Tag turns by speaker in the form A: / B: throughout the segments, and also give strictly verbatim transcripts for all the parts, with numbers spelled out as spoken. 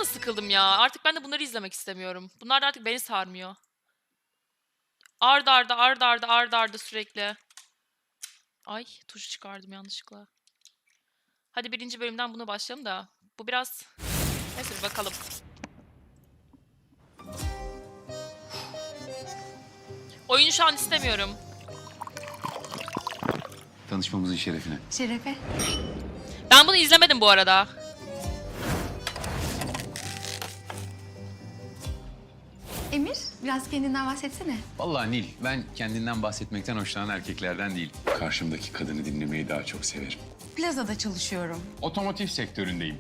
A: da sıkıldım ya. Artık ben de bunları izlemek istemiyorum. Bunlar da artık beni sarmıyor. Ard arda ard arda ard arda sürekli. Ay tuşu çıkardım yanlışlıkla. Hadi birinci bölümden buna başlayalım da. Bu biraz... Neyse bir bakalım. Oyunu şu an istemiyorum.
B: Tanışmamızın şerefine.
C: Şerefe.
A: Ben bunu izlemedim bu arada.
C: Emir, biraz kendinden bahsetsene.
B: Vallahi Nil, ben kendinden bahsetmekten hoşlanan erkeklerden değil. Karşımdaki kadını dinlemeyi daha çok severim.
C: Plazada çalışıyorum.
B: Otomotiv sektöründeyim.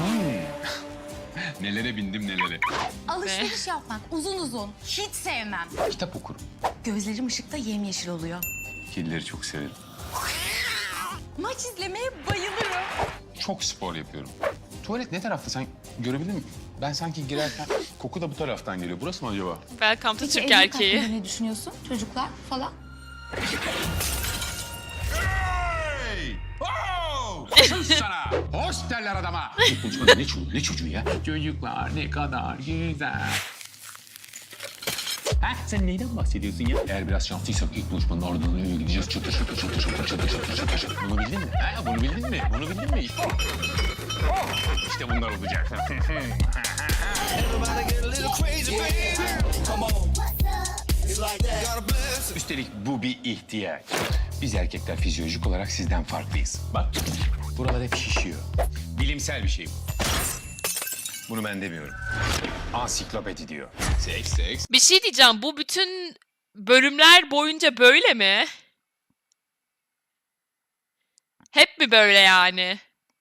B: Nelere bindim nelere.
C: Alışveriş yapmak uzun uzun. Hiç sevmem.
B: Kitap okurum.
C: Gözlerim ışıkta yemyeşil oluyor.
B: Kedileri çok severim.
C: Maç izlemeye bayılırım.
B: Çok spor yapıyorum. Tuvalet ne tarafta sen görebildin mi? Ben sanki girerken koku da bu taraftan geliyor. Burası mı acaba?
A: Welcome to
C: Peki
A: Türk
C: evlilik
A: erkeği.
C: hakkında ne düşünüyorsun? Çocuklar falan.
B: Hey! Oh! Sus sana! Hoş derler adama! Konuşmada ne çocuğu, ne çocuğu ya? Çocuklar ne kadar güzel. Ha, sen neyden bahsediyorsun ya? Eğer biraz şanslıysak ilk buluşmanın ardından eve gideceğiz. Çatır çatır çatır çatır çatır çatır çatır çatır. Bunu bildin mi? Ha, bunu bildin mi? Bunu bildin mi? İşte, oh, işte bunlar olacak. Üstelik bu bir ihtiyaç. Biz erkekler fizyolojik olarak sizden farklıyız. Bak, buralar hep şişiyor. Bilimsel bir şey bu. Bunu ben demiyorum. Ansiklopedi diyor. Seks, seks.
A: Bir şey diyeceğim. Bu bütün bölümler boyunca böyle mi? Hep mi böyle yani?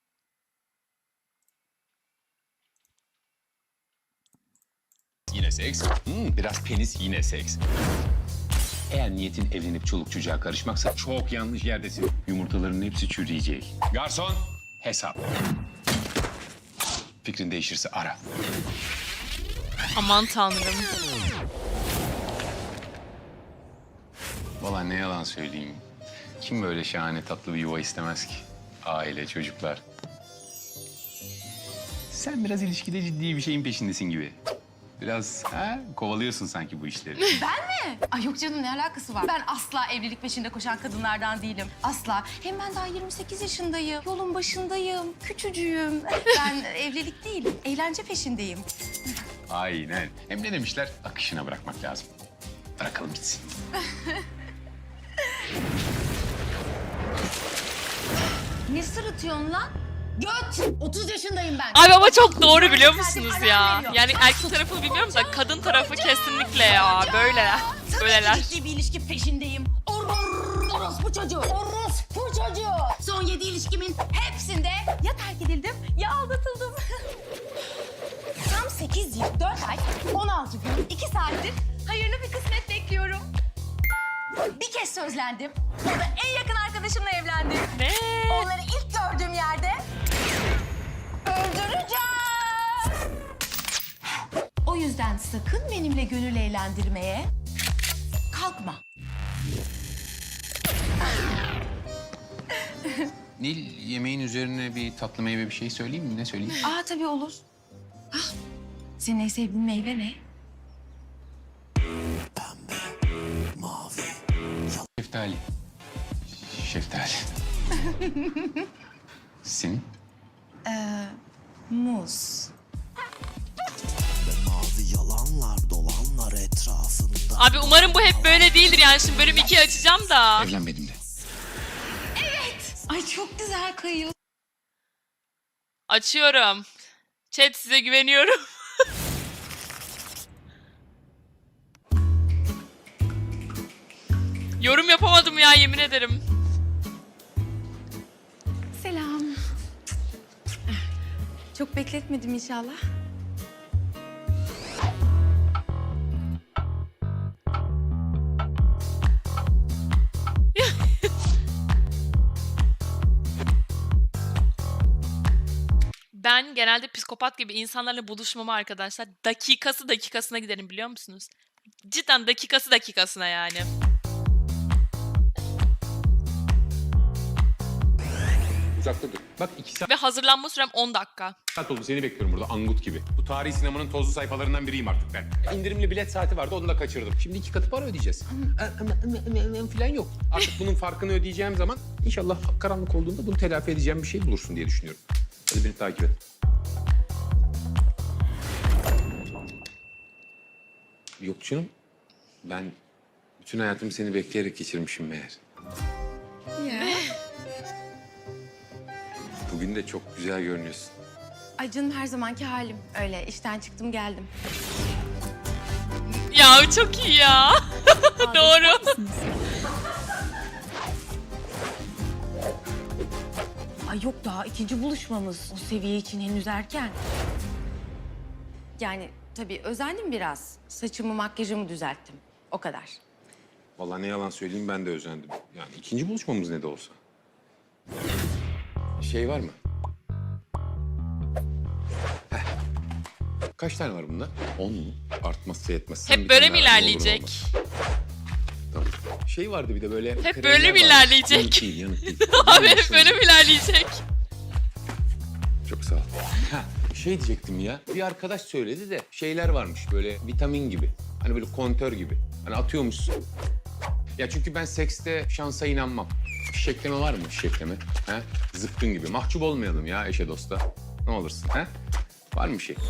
B: Yine seks. Hmm, biraz penis yine seks. Eğer niyetin evlenip çoluk çocuğa karışmaksa çok yanlış yerdesin. Yumurtaların hepsi çürüyecek. Garson, hesap. Fikrin değişirse ara.
A: Aman tanrım.
B: Vallahi ne yalan söyleyeyim. Kim böyle şahane tatlı bir yuva istemez ki? Aile, çocuklar. Sen biraz ilişkide ciddi bir şeyin peşindesin gibi. Biraz ha, kovalıyorsun sanki bu işleri.
C: Ben mi? Ay yok canım, ne alakası var? Ben asla evlilik peşinde koşan kadınlardan değilim. Asla. Hem ben daha yirmi sekiz yaşındayım. Yolun başındayım. Küçücüğüm. Ben evlilik değil, eğlence peşindeyim.
B: Aynen. Hem ne demişler? Akışına bırakmak lazım. Bırakalım gitsin.
C: Ne sırıtıyorsun lan? Göt! otuz yaşındayım ben.
A: Abi ama çok doğru biliyor
C: Saatlik
A: musunuz
C: alarm
A: ya?
C: veriyor.
A: Yani erkek tarafını bilmiyorum da kadın tarafı kesinlikle ya. Böyleler. Böyleler.
C: Tabii ki ciddi bir ilişki peşindeyim. Or- orospu çocuğu. Orospu çocuğu. Son yedi ilişkimin hepsinde ya terk edildim ya aldatıldım. Tam sekiz yıl, dört ay, on altı gün, iki saattir hayırlı bir kısmet bekliyorum. Bir kez sözlendim. O da en yakın arkadaşımla evlendim.
A: Ne?
C: Onları ilk gördüğüm yerde öldüreceğim. O yüzden sakın benimle gönül eğlendirmeye kalkma.
B: Nil, yemeğin üzerine bir tatlı meyve bir şey söyleyeyim mi? Ne söyleyeyim?
C: Aa tabii olur. Hah, senin en sevdiğin meyve ne?
B: Şeftali. Şeftali. Senin?
C: Ee, muz.
D: Mavi yalanlar dolanlar etrafında.
A: Abi umarım bu hep böyle değildir yani. Şimdi bölüm ikiyi açacağım da.
B: Evlenmedim de.
C: Ay çok güzel kayıyor.
A: Açıyorum. Chat size güveniyorum. Yorum yapamadım ya yemin ederim.
C: Selam. Çok bekletmedim inşallah.
A: Ben genelde psikopat gibi insanlarla buluşmama arkadaşlar dakikası dakikasına giderim biliyor musunuz? Cidden dakikası dakikasına yani.
B: Uzakta dur. Bak iki saat
A: Ve hazırlanma sürem on dakika.
B: oldu seni bekliyorum burada angut gibi. Bu tarihi sinemanın tozlu sayfalarından biriyim artık ben. İndirimli bilet saati vardı onu da kaçırdım. Şimdi iki katı para ödeyeceğiz. Falan yok. Artık bunun farkını ödeyeceğim zaman inşallah karanlık olduğunda bunu telafi edeceğim bir şey bulursun diye düşünüyorum. Hadi beni takip et. Yok canım. Ben bütün hayatımı seni bekleyerek geçirmişim meğer.
C: Ya.
B: Bugün de çok güzel görünüyorsun.
C: Ay canım her zamanki halim. Öyle işten çıktım geldim.
A: Ya çok iyi ya. Doğru.
C: Ay yok daha ikinci buluşmamız. O seviye için henüz erken. Yani tabii özendim biraz. Saçımı makyajımı düzelttim. O kadar.
B: Vallahi ne yalan söyleyeyim ben de özendim. Yani ikinci buluşmamız ne de olsa. Şey var mı? Heh. Kaç tane var bunda? On mu? Artmazsa yetmez. Sen bir
A: Hep böyle
B: tane
A: mi
B: daha ver, ne olur ne
A: ilerleyecek?
B: olmaz. Tamam. Şey vardı bir de böyle...
A: Hep
B: kremler
A: böyle mi
B: vardı.
A: ilerleyecek?
B: Yanık değil, yanık değil.
A: Abi hep böyle mi ilerleyecek?
B: Çok sağ ol. Ha, şey diyecektim ya. Bir arkadaş söyledi de şeyler varmış böyle vitamin gibi. Hani böyle kontör gibi. Hani atıyormuşsun. Ya çünkü ben sekste şansa inanmam. Fişekleme var mı fişekleme? Ha? Zıpkın gibi. Mahcup olmayalım ya eşe dosta. Ne olursun ha? Var mı bir şey?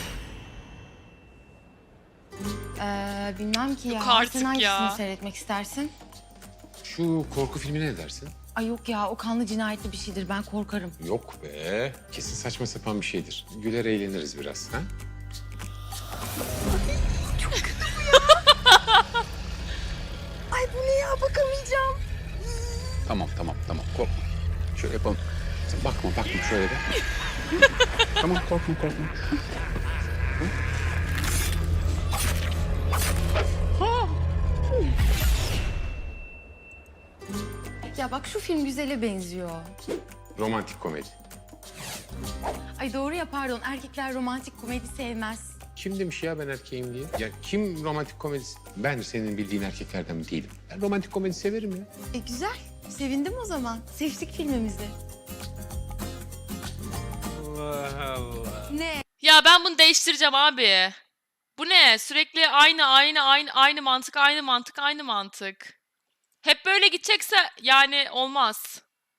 C: Ee, bilmem ki ya.
A: Yok artık
C: Sen hangisini
A: ya.
C: seyretmek istersin?
B: Şu korku filmine ne dersin?
C: Ay yok ya o kanlı cinayetli bir şeydir. Ben korkarım.
B: Yok be. Kesin saçma sapan bir şeydir. Güler eğleniriz biraz ha?
C: Ay bu ne ya bakamayacağım.
B: Tamam tamam tamam korkma. Şöyle yapalım. Sen bakma bakma şöyle de. Tamam korkma korkma.
C: Ya bak şu film güzele benziyor.
B: Romantik komedi.
C: Ay doğru ya pardon erkekler romantik komedi sevmez.
B: Kim demiş ya ben erkeğim diye? Ya kim romantik komedi... Ben senin bildiğin erkeklerden değilim. Ben romantik komedi severim ya.
C: E güzel. Sevindim o zaman. Seçtik filmimizi.
B: Allah Allah.
C: Ne?
A: Ya ben bunu değiştireceğim abi. Bu ne? Sürekli aynı aynı aynı aynı mantık aynı mantık aynı mantık. Hep böyle gidecekse yani olmaz.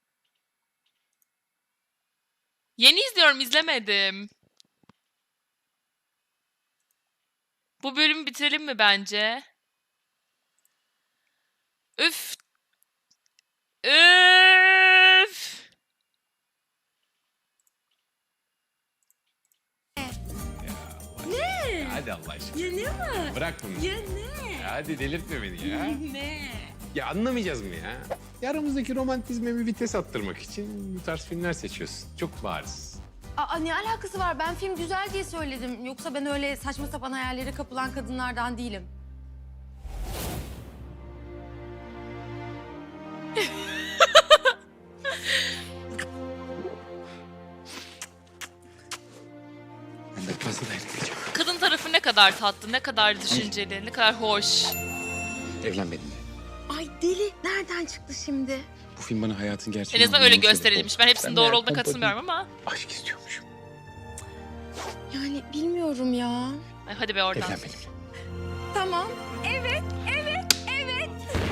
A: Yeni izliyorum, izlemedim. Bu bölümü bitirelim mi bence? Üf. Üf.
B: Hadi Allah aşkına.
C: Ya ne var?
B: Bırak bunu.
C: Ya ne?
B: Hadi delirtme beni ya.
C: Ne?
B: Ya anlamayacağız mı ya? Ya aramızdaki romantizme bir vites attırmak için bu tarz filmler seçiyorsun. Çok bariz.
C: Aa ne alakası var? Ben film güzel diye söyledim. Yoksa ben öyle saçma sapan hayallere kapılan kadınlardan değilim.
B: Ben de fazla dayanacağım.
A: Kadın tarafı ne kadar tatlı, ne kadar düşünceli, ne kadar hoş.
B: Evlen benimle.
C: Ay deli. Nereden çıktı şimdi?
B: Bu film bana hayatın
A: En
B: gerçeğini
A: azından öyle
B: anlamama sebep
A: gösterilmiş.
B: oldu.
A: Ben hepsinin
B: Ben
A: doğru
B: meğer
A: olduğuna
B: pompalı
A: katılmıyorum ama.
B: Aşk istiyormuşum.
C: Yani bilmiyorum ya.
A: Ay, hadi be oradan.
B: Evlen benimle.
C: Tamam. Evet, evet, evet.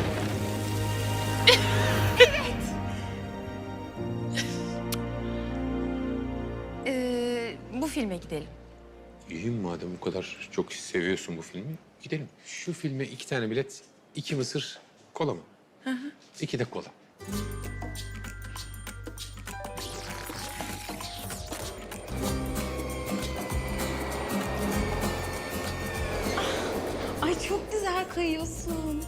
C: evet. Ee, bu filme gidelim.
B: İyi madem bu kadar çok seviyorsun bu filmi. Gidelim. Şu filme iki tane bilet, iki mısır, kola mı? Hı hı. İki de kola.
C: Ay çok güzel kayıyorsun.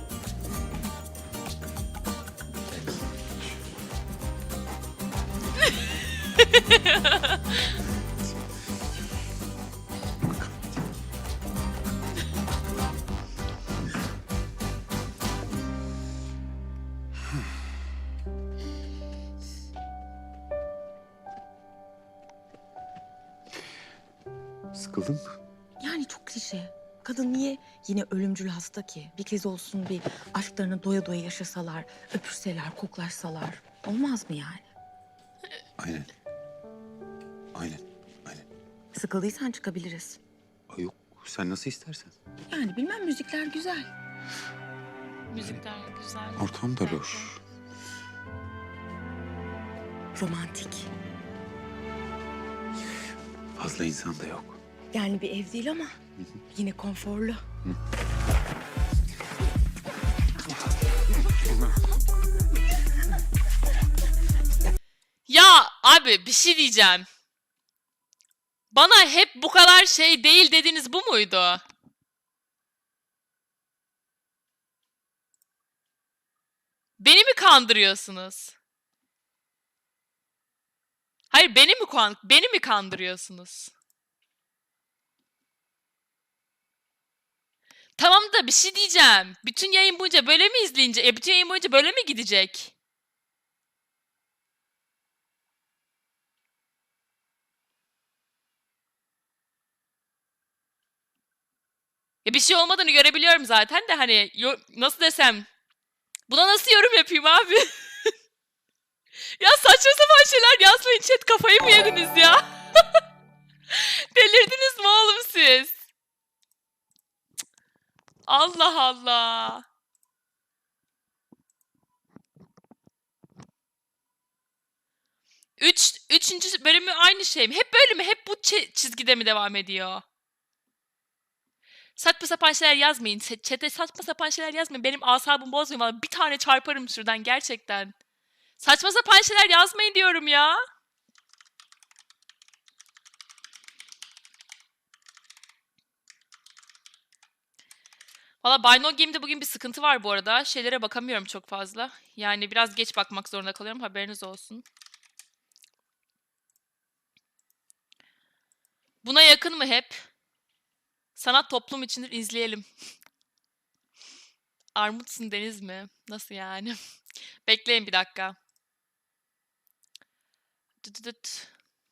B: Sıkıldın mı?
C: Yani çok klişe. Kadın niye yine ölümcül hasta ki? Bir kez olsun bir aşklarını doya doya yaşasalar, öpürseler, koklaşsalar. Olmaz mı yani?
B: Aynen. Aynen. Aynen.
C: Sıkıldıysan çıkabiliriz.
B: Ay yok, sen nasıl istersen.
C: Yani bilmem, müzikler güzel.
A: Müzikler güzel.
B: Ortam da loş.
C: Romantik.
B: Fazla insan da yok.
C: Yani bir ev değil ama yine konforlu.
A: Ya abi bir şey diyeceğim. Bana hep bu kadar şey değil dediniz, bu muydu? Beni mi kandırıyorsunuz? Hayır, beni mi kan beni mi kandırıyorsunuz? Tamam da bir şey diyeceğim. Bütün yayın boyunca böyle mi izleyince? E bütün yayın boyunca böyle mi gidecek? Ya bir şey olmadığını görebiliyorum zaten de hani yo- nasıl desem, buna nasıl yorum yapayım abi? Ya saçma sapan şeyler yazmayın chat, kafayı mı yediniz ya? Delirdiniz mi oğlum siz? Cık. Allah Allah. Üç, üçüncü bölümü aynı şey mi? Hep böyle mi? Hep bu çi- çizgide mi devam ediyor? Saçma sapan şeyler yazmayın. Ç- Chat'e saçma sapan şeyler yazmayın. Benim asabımı bozmayın. Vallahi bir tane çarparım şuradan gerçekten. Saçma sapan şeyler yazmayın diyorum ya. Valla Buy No Game'de bugün bir sıkıntı var bu arada. Şeylere bakamıyorum çok fazla. Yani biraz geç bakmak zorunda kalıyorum. Haberiniz olsun. Buna yakın mı hep? Sanat toplum içindir, izleyelim. Armutsun Deniz mi? Nasıl yani? Bekleyin bir dakika. Dıdıdıt.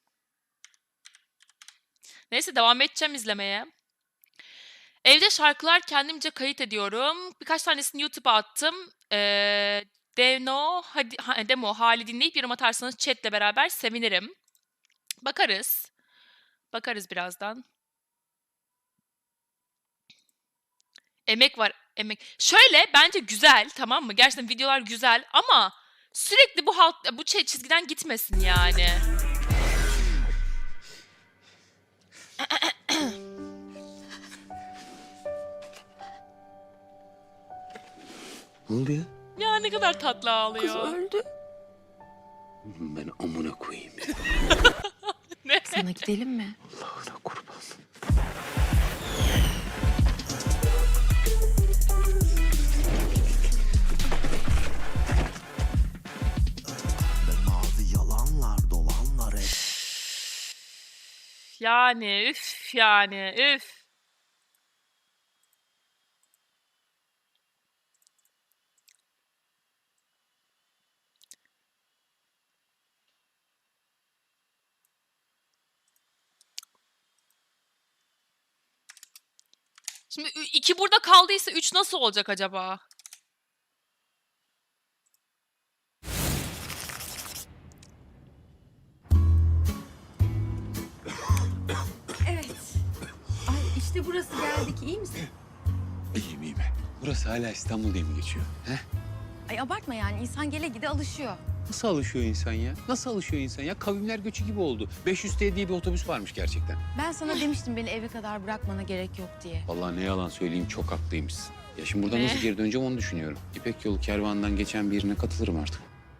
A: Neyse devam edeceğim izlemeye. Evde şarkılar kendimce kayıt ediyorum. Birkaç tanesini YouTube'a attım. Ee, Demo, hadi, ha, demo hali dinleyip yorum atarsanız chatle beraber sevinirim. Bakarız. Bakarız birazdan. Emek var, emek. Şöyle bence güzel, tamam mı? Gerçekten videolar güzel ama sürekli bu halk bu çe- çizgiden gitmesin yani.
B: Ne oldu ya?
A: Ya ne kadar tatlı ağlıyor.
C: öldü.
B: Ben amına koyayım ya.
A: Ne?
C: Sana gidelim mi?
B: Allah'ına kurban.
D: Ve mavi yalanlar dolanlar et.
A: Yani üf yani üf. Şimdi ü- iki burada kaldıysa üç nasıl olacak acaba?
C: Evet. Ay işte burası, geldik. İyi misin?
B: İyiyim iyiyim. Burası hala İstanbul diye mi geçiyor? He?
C: Ay abartma yani. İnsan gele gide alışıyor.
B: Nasıl alışıyor insan ya? Nasıl alışıyor insan ya? Kavimler göçü gibi oldu. beş yüz T diye bir otobüs varmış gerçekten.
C: Ben sana demiştim beni eve kadar bırakmana gerek yok diye.
B: Vallahi ne yalan söyleyeyim, çok haklıymışsın. Ya şimdi buradan
A: Ne?
B: nasıl geri döneceğim onu düşünüyorum. İpek Yolu kervanından geçen birine katılırım artık.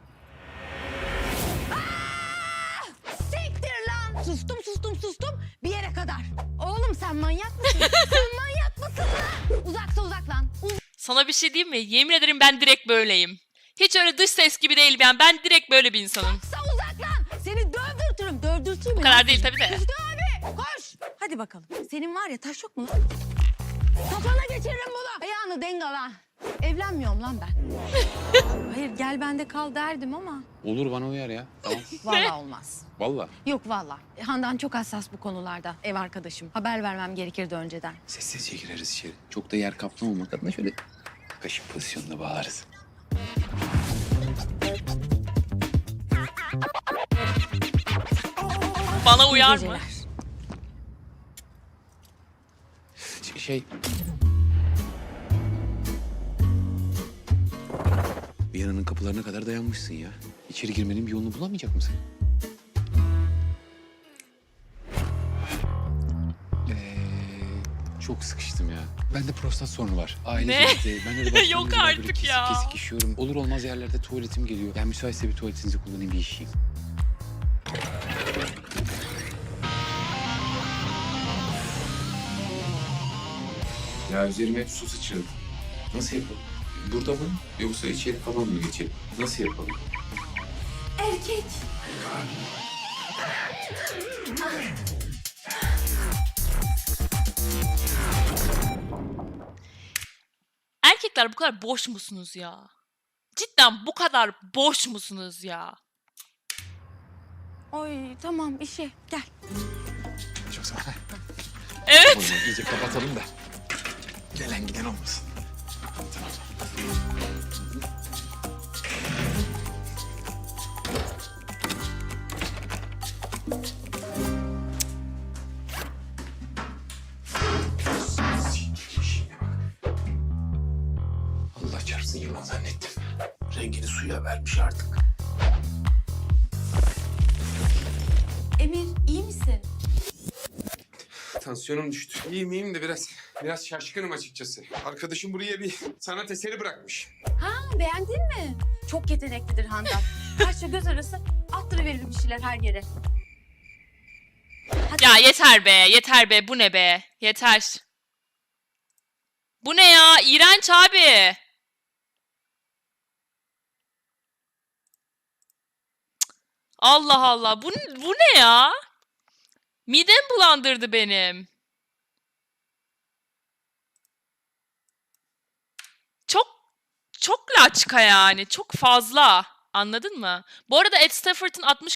C: Siktir lan! Sustum sustum sustum bir yere kadar. Oğlum sen manyak mısın? Sen manyak mısın lan? Uzaksa uzak lan.
A: Sana bir şey diyeyim mi? Yemin ederim ben direkt böyleyim. Hiç öyle dış ses gibi değil ben. Ben direkt böyle bir insanım.
C: Uzaksa uzak lan. Seni dövdürtürüm. Dövdürteyim mi?
A: Bu kadar değil tabii de.
C: Hüsnü abi koş. Hadi bakalım. Senin var ya taş yok mu lan? Kafana geçiririm bunu. Ayağını dengala. Evlenmiyorum lan ben. Hayır gel bende kal derdim ama.
B: Olur, bana uyar ya. Tamam.
C: Vallahi olmaz.
B: Vallahi.
C: Yok vallahi. Handan çok hassas bu konularda. Ev arkadaşım. Haber vermem gerekirdi önceden.
B: Sessizce gireriz içeri. Çok da yer kaplamamak adına şöyle kaşık pozisyonuna bağlarız.
A: Bana
C: İyi
A: uyar mı?
C: geceler.
B: Ş- Şey... Viyana'nın kapılarına kadar dayanmışsın ya. İçeri girmenin bir yolunu bulamayacak mısın? Ee, çok sıkıştım ya. Bende prostat sorunu var. Aile
A: Ne?
B: genetiği. Ben öyle başlarım
A: Yok
B: yüzünden böyle
A: artık
B: kesik
A: ya.
B: kesik işiyorum. Olur olmaz yerlerde tuvaletim geliyor. Yani müsaitse bir tuvaletinizi kullanayım, bir işeyim. Ya üzerime hep su sıçradı. Nasıl yapalım? Burada mı? Yoksa içeri falan mı geçelim? Nasıl yapalım?
C: Erkek.
A: Erkekler bu kadar boş musunuz ya? Cidden bu kadar boş musunuz ya?
C: Oy tamam işe gel.
B: Çok sağ ol.
A: Evet.
B: O zaman iyice kapatalım da gelen giden olmasın. Tamam. Allah çarpsın yılan zannettim. Rengini suya vermiş artık.
C: Emir iyi misin?
E: Tansiyonum düştü. İyiyim iyiyim de biraz biraz şaşkınım açıkçası. Arkadaşım buraya bir sanat eseri bırakmış.
C: Ha, beğendin mi? Çok yeteneklidir Handan. Kaşla göz arası attırıverir bir şeyler her yere. Hadi.
A: Ya yeter be, yeter be. Bu ne be? Yeter. Bu ne ya? İğrenç abi. Allah Allah. Bu, bu ne ya? Midem bulandırdı benim. Çok çok laçka yani. Çok fazla. Anladın mı? Bu arada Ed Stafford'ın altmış